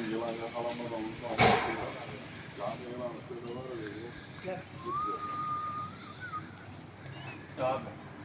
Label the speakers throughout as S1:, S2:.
S1: yılan yakalanmadan uzman. Yani yılanı şöyle var ya.
S2: Gel.
S3: Abi.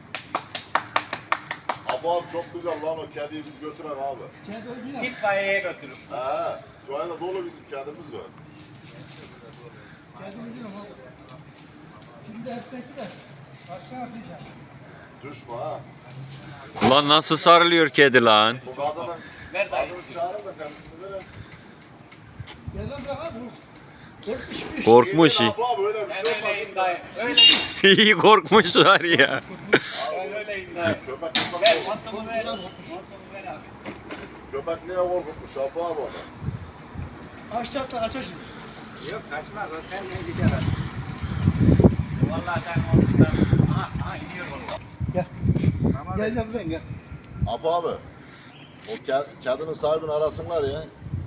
S1: Abi çok güzel lan o kediyi biz götürek abi.
S2: Kedi öldü ya.
S3: Git kayaya götürün.
S1: He. Şu anda dolu bizim kedimiz var.
S2: Kedi öldü ama. Şimdi hepsi de aşağı atacağım.
S1: Düşme ha.
S4: Ulan nasıl sarılıyor kedi lan?
S1: Bu kadının
S3: Ver dayı.
S1: çağırın da kendisini verin.
S2: Gel lan bırak abi. Korkmuş bir.
S4: Korkmuş.
S1: Abi öyle bir şey olmaz.
S3: Öyleyim dayı. Öyleyim.
S4: İyi korkmuşlar ya.
S3: Öyleyim dayı.
S1: Köpek
S3: Ver montumu ver. Montumu ver abi.
S1: Köpek niye korkutmuş abi onu?
S2: Açtı hatta kaçar şimdi.
S3: Yok kaçmaz o seninle gider abi. Vallahi sen montudan. Aha iniyor valla.
S2: Gel. Gel gel buradan gel.
S1: Abi. O kedinin sahibini arasınlar ya.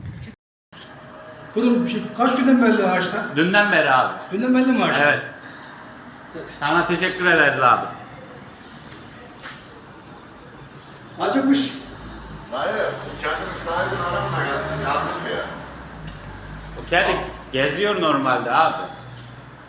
S2: Bunun kaç günden belli ağaçta?
S3: Dünden beri abi.
S2: Günden belli mi ağaçta?
S3: Evet. Sana teşekkür ederiz abi.
S2: Acıkmış.
S1: Hayır, kedinin sahibini arasınlar gelsin yazın ya.
S3: O kedi geziyor normalde abi.